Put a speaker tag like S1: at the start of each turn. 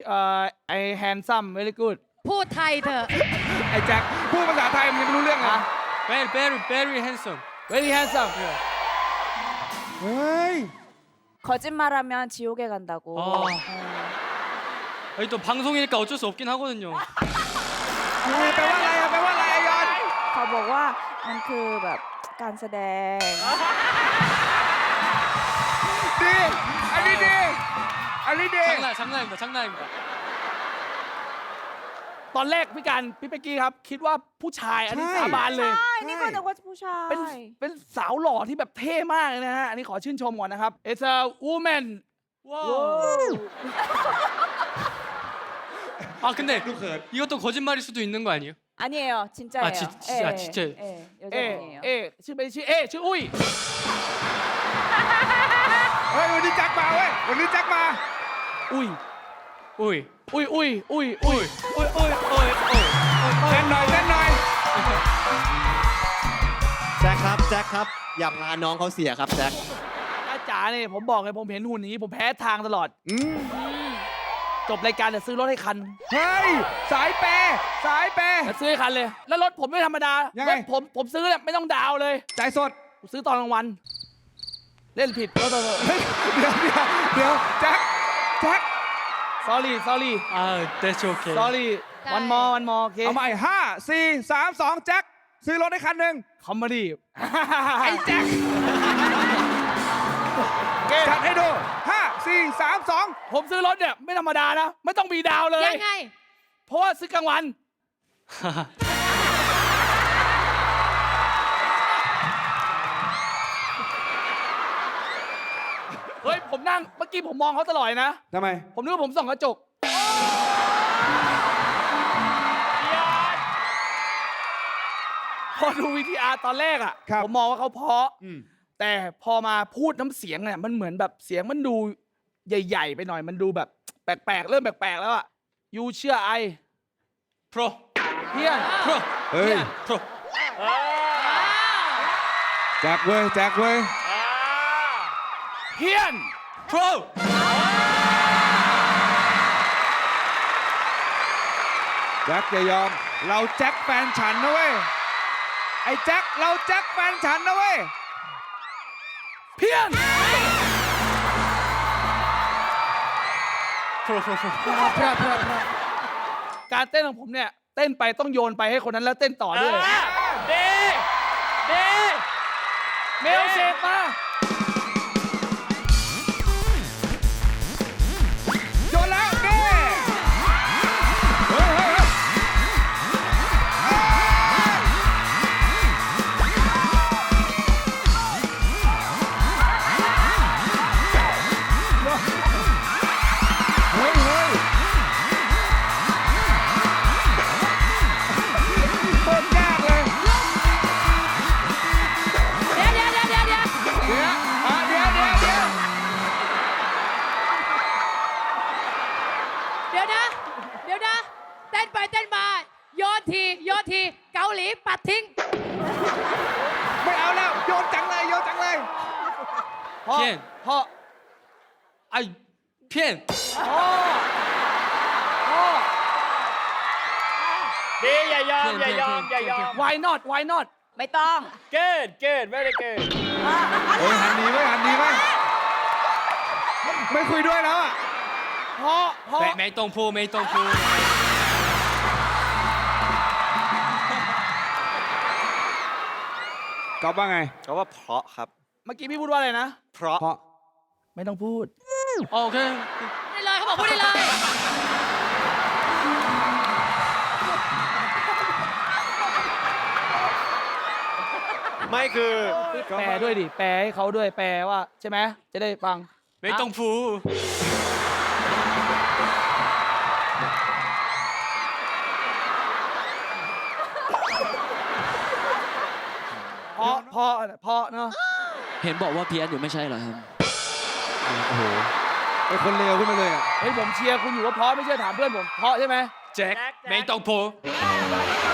S1: ไอแฮนซัมเวลี่กูด
S2: พูดไทยเถอะ
S1: ไอแจ็คพูดภาษาไทยมันยังไม่รู้เรื่องนะ
S3: very handsome.
S1: very handsome
S4: เฮ้ย
S5: 거짓말하면 지옥에 간다고.
S3: 아니 또 방송이니까 어쩔 수 없긴 하거든요.
S4: แปลว่าอะไรอะแปลว่าอะไรอะยอน
S5: เขาบอกว่ามันคือแบบการแสดง
S4: ดีอันนี้ดีอันนี้ดี
S3: 장난입니다.
S1: ตอนแรกพี่เป๊กกี้ครับ คิดว่าผู้ชายอันนี้สาบานเลย
S5: ใช่ นี่ก็นึกว่าผู้ชาย
S1: เป็นสาวหล่อที่แบบเท่มากเลยนะฮะ อันนี้ขอชื่นชมก่อนนะครับ It's a woman
S3: 아 근데 이것도 거짓말일 수도 있는 거 아니에요?
S5: 아니에요. 진짜예요.
S3: 아, 진짜요?
S5: 예,
S1: เอ
S5: 여자분이에요.
S1: ชื่อเป็นชื่อชื่ออุ้ย
S4: เฮ้ยวันนี้แจ็คมาเว้ยวันนี้แจ็คมา
S1: อุ้ย
S3: 오이.
S4: เต้นหน่อยเต้นหน่อย
S6: แจ็คครับ อย่าพาน้องเขาเสียครับแจ็ค
S1: อาจารย์เนี่ยผมบอกเลยผมเห็นหุ่นนี้ผมแพ้ทางตลอด จบรายการจะซื้อรถให้คัน
S4: เฮ้ยสายเปย์สายเปย์
S1: จะซื้อให้คันเลย แล้วรถผมไม่ธรรมดา
S4: ยังไง
S1: รถผมซื้อเนี่ยไม่ต้องดาวเลย
S4: จ่ายสด
S1: ผมซื้อตอนกลางวัน เล่นผิดก็ต้อง
S4: เฮ้ยเดี๋ยวแจ็ค
S1: sorry
S3: 아 that's okay.
S1: sorry one more โอเค
S4: เอาใหม่5 4 3 2แจ็คซื้อรถให้คันหนึ่ง
S1: คอมเมดี้
S4: ไอ้แจ็คจัดให้ดู5 4 3 2
S1: ผมซื้อรถเนี่ยไม่ธรรมดานะ ไม่ต้องมีดาวเลย
S2: ยังไง
S1: เพราะว่าซื้อกลางวัน เฮ้ย ผมนั่งเมื่อกี้ผมมองเขาตลอดนะ
S4: ทำไม
S1: ผมนึกว่าผมส่องกระจก พอดูวีทีอาร์ตอนแรกอ่ะ
S4: ครับ
S1: ผมมองว่าเขาเพราะ
S4: อืม
S1: แต่พอมาพูดน้ำเสียงเนี่ยมันเหมือนแบบเสียงมันดูใหญ่ ๆ ไปหน่อย มันดูแบบแปลกๆ เริ่มแปลกๆ แล้วอ่ะยูเชื่อไอ
S3: 프로.
S1: เพี้ยน
S4: เฮ้ย
S3: 프로.
S4: แจ็คเว้ยแจ็คเว้ย
S1: เพี้ยน
S3: 프로.
S4: แจ็คอย่ายอม เราแจ็คแฟนฉันนะเว้ย ไอ้แจ็คเราแจ็คแฟนฉันนะเว้ย
S1: เพี้ยน
S3: 프로.
S1: การเต้นของผมเนี่ยเต้นไปต้องโยนไปให้คนนั้นแล้วเต้นต่อด้วย
S3: 네.
S1: เมลเซกมา
S4: โยนแล้วเด้เฮ้ยโคตรยากเลย
S2: เดี๋ยว
S4: เดี๋ยวเดี๋ยว
S2: เต้นไปเต้นมาโยนทีเกาหลีปัดทิ้ง
S4: ไม่เอาแล้ว โยนจังเลยโยนจังเลย
S1: พ่อ
S3: เพี้ยน
S1: พ่อ
S3: 아이 펜.
S7: ดีอย่ายอมอย่ายอมอย่ายอม
S1: why not
S5: ไม่ต้อง
S7: เกิด very good
S4: โอ้ยหันดีไหมไม่คุยด้วยแล้วอ่ะ
S1: พ่อ
S3: 메이똥푸.
S4: ก๊อฟว่าไง
S6: เขาว่าเพราะครับ
S1: เมื่อกี้พี่พูดว่าอะไรนะ
S6: เพราะ
S4: เพราะ
S1: ไม่ต้องพูด
S3: 오케이.
S2: ได้เลยเขาบอกพูดได้เลย
S6: ไม่คือ
S1: แปลด้วยดิ แปลให้เขาด้วย แปลว่าใช่ไหม จะได้ฟัง
S3: 메이똥푸.
S1: เพราะเนาะ
S8: เห็นบอกว่าเพี้ยนอยู่ไม่ใช่เหรอครับ
S4: ไอ้คนเลวขึ้นมาเลยอ่ะ
S1: เฮ้ยผมเชียร์คุณอยู่ว่าเพราะไม่เชื่อถามเพื่อนผม เพราะใช่ไหม
S3: 잭. 메이똥푸.